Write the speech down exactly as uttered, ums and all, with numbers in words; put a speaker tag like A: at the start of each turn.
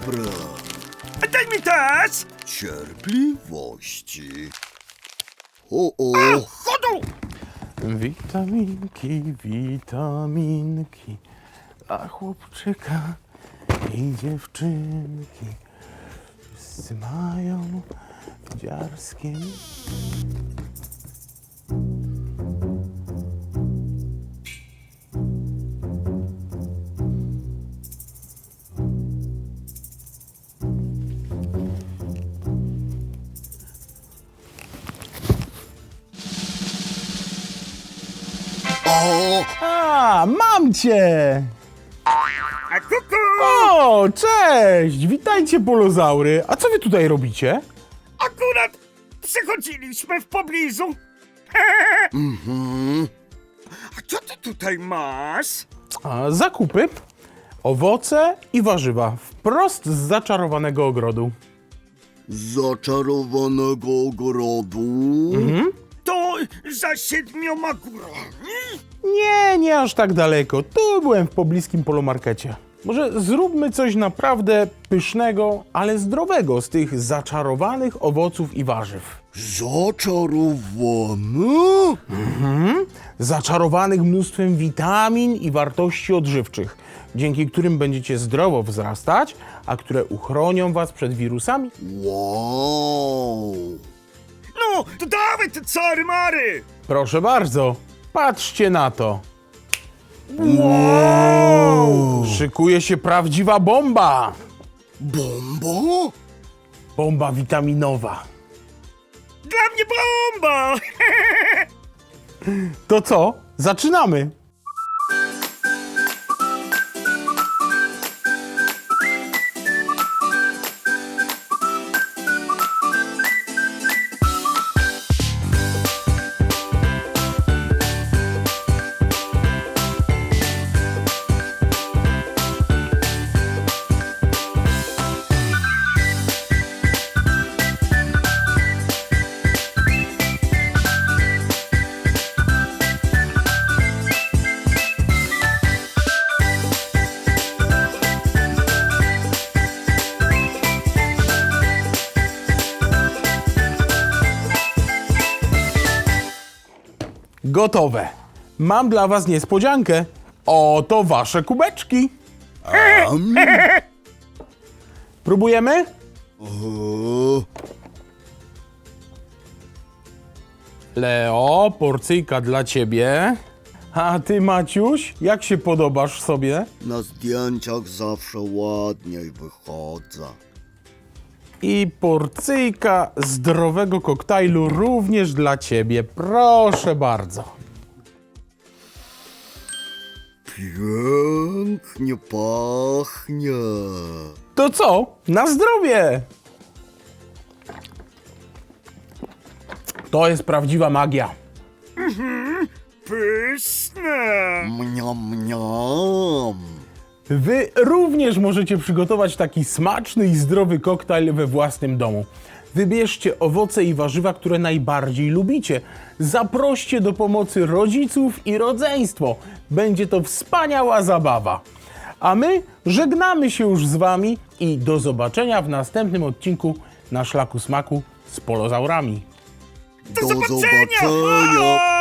A: Dobra,
B: Daj mi też!
A: cierpliwości. O, o,
B: Chodu!
C: Witaminki, witaminki, a chłopczyka i dziewczynki wszyscy mają dziarskie.
A: o,
C: A, mam cię!
B: A kuku!
C: O, cześć! Witajcie, polozaury! A co wy tutaj robicie?
B: Akurat przychodziliśmy w pobliżu.
A: mhm.
B: A co ty tutaj masz?
C: A, zakupy, owoce i warzywa wprost z zaczarowanego ogrodu.
A: Zaczarowanego ogrodu.
B: To za siedmioma górami?
C: Nie, nie aż tak daleko. Tu byłem w pobliskim polomarkecie. Może zróbmy coś naprawdę pysznego, ale zdrowego z tych zaczarowanych owoców i warzyw.
A: Zaczarowane?
C: Zaczarowanych mnóstwem witamin i wartości odżywczych, dzięki którym będziecie zdrowo wzrastać, a które uchronią was przed wirusami.
A: Wow.
B: No, to dawaj te czary mary!
C: Proszę bardzo, patrzcie na to.
A: Wow.
C: Szykuje się prawdziwa bomba.
A: Bomba?
C: Bomba witaminowa.
B: Dla mnie bomba!
C: To co? Zaczynamy! Gotowe. Mam dla was niespodziankę. Oto wasze kubeczki.
A: Um.
C: Próbujemy?
A: o,
C: Leo, porcyjka dla ciebie. A ty, Maciuś, jak się podobasz sobie?
A: Na zdjęciach zawsze ładniej wychodzę.
C: I porcyjka zdrowego koktajlu również dla ciebie. Proszę bardzo.
A: Pięknie pachnie.
C: To co? Na zdrowie! To jest prawdziwa magia.
B: Pyszne!
A: Mniam, mniam.
C: Wy również możecie przygotować taki smaczny i zdrowy koktajl we własnym domu. Wybierzcie owoce i warzywa, które najbardziej lubicie. Zaproście do pomocy rodziców i rodzeństwo. Będzie to wspaniała zabawa. A my żegnamy się już z wami i do zobaczenia w następnym odcinku na Szlaku Smaku z polozaurami.
B: Do,
A: Do
B: zobaczenia!
A: zobaczenia.
B: Pa!